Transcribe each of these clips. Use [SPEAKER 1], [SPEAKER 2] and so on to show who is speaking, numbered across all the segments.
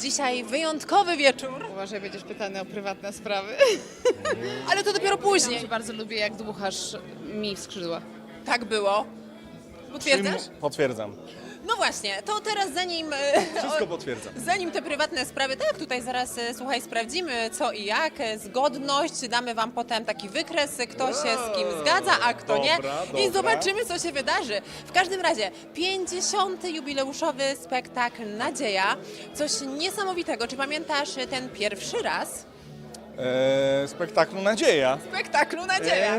[SPEAKER 1] Dzisiaj wyjątkowy wieczór,
[SPEAKER 2] Uważaj, będziesz pytany o prywatne sprawy.
[SPEAKER 1] ale to dopiero później.
[SPEAKER 2] Bardzo lubię, jak dmuchasz mi w skrzydła.
[SPEAKER 1] Tak było. Potwierdzasz?
[SPEAKER 3] Potwierdzam.
[SPEAKER 1] No właśnie, to teraz
[SPEAKER 3] Wszystko potwierdzam.
[SPEAKER 1] zanim te prywatne sprawy, tak, tutaj zaraz, słuchaj, sprawdzimy co i jak, zgodność, damy Wam potem taki wykres, kto się z kim zgadza, a kto nie i
[SPEAKER 3] dobra.
[SPEAKER 1] zobaczymy, co się wydarzy. W każdym razie, 50. jubileuszowy spektakl Nadzieja, coś niesamowitego. Czy pamiętasz ten pierwszy raz
[SPEAKER 3] Spektaklu Nadzieja.
[SPEAKER 1] spektaklu Nadzieja?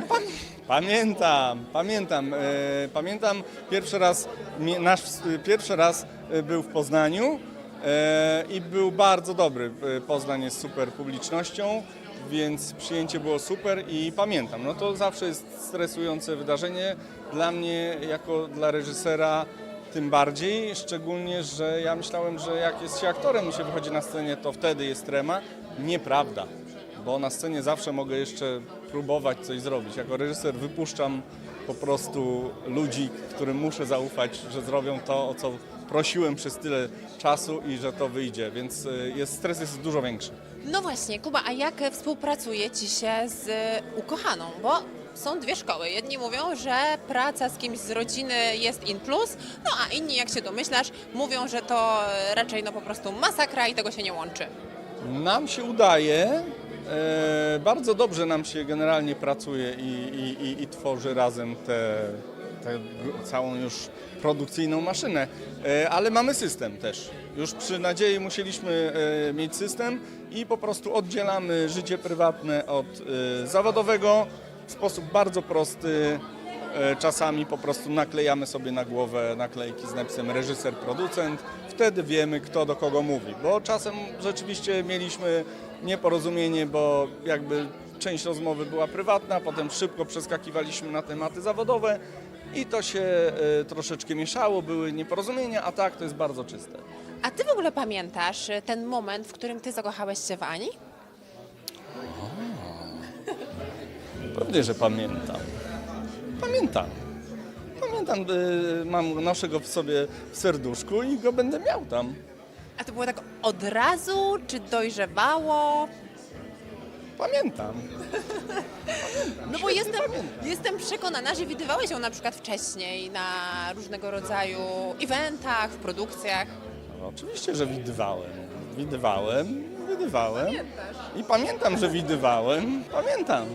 [SPEAKER 3] Pamiętam nasz pierwszy raz był w Poznaniu i był bardzo dobry. Poznań jest super publicznością, więc przyjęcie było super i pamiętam. No to zawsze jest stresujące wydarzenie. Dla mnie, jako dla reżysera, tym bardziej, szczególnie, że ja myślałem, że jak jest się aktorem i się wychodzi na scenie, to wtedy jest trema. Nieprawda, bo na scenie zawsze mogę jeszcze próbować coś zrobić. Jako reżyser wypuszczam po prostu ludzi, którym muszę zaufać, że zrobią to, o co prosiłem przez tyle czasu i że to wyjdzie, więc stres jest dużo większy.
[SPEAKER 1] No właśnie, Kuba, a jak współpracuje Ci się z ukochaną? Bo są dwie szkoły. Jedni mówią, że praca z kimś z rodziny jest in plus, no a inni, jak się domyślasz, mówią, że to raczej no po prostu masakra i tego się nie łączy.
[SPEAKER 3] Nam się udaje, bardzo dobrze nam się generalnie pracuje i tworzy razem tę całą już produkcyjną maszynę, ale mamy system też. Już przy Nadziei musieliśmy mieć system i po prostu oddzielamy życie prywatne od zawodowego w sposób bardzo prosty. Czasami po prostu naklejamy sobie na głowę naklejki z napisem reżyser, producent. Wtedy wiemy, kto do kogo mówi, bo czasem rzeczywiście mieliśmy nieporozumienie, bo jakby część rozmowy była prywatna, potem szybko przeskakiwaliśmy na tematy zawodowe i to się troszeczkę mieszało, były nieporozumienia, a tak to jest bardzo czyste.
[SPEAKER 1] A Ty w ogóle pamiętasz ten moment, w którym Ty zakochałeś się w Ani?
[SPEAKER 3] Pewnie, że pamiętam. Pamiętam, noszę go w sobie w serduszku i go będę miał tam.
[SPEAKER 1] A to było tak od razu, czy dojrzewało?
[SPEAKER 3] Pamiętam.
[SPEAKER 1] No bo jestem przekonana, że widywałeś ją na przykład wcześniej na różnego rodzaju eventach, w produkcjach.
[SPEAKER 3] No, oczywiście, że widywałem. I pamiętam, że widywałem. Pamiętam.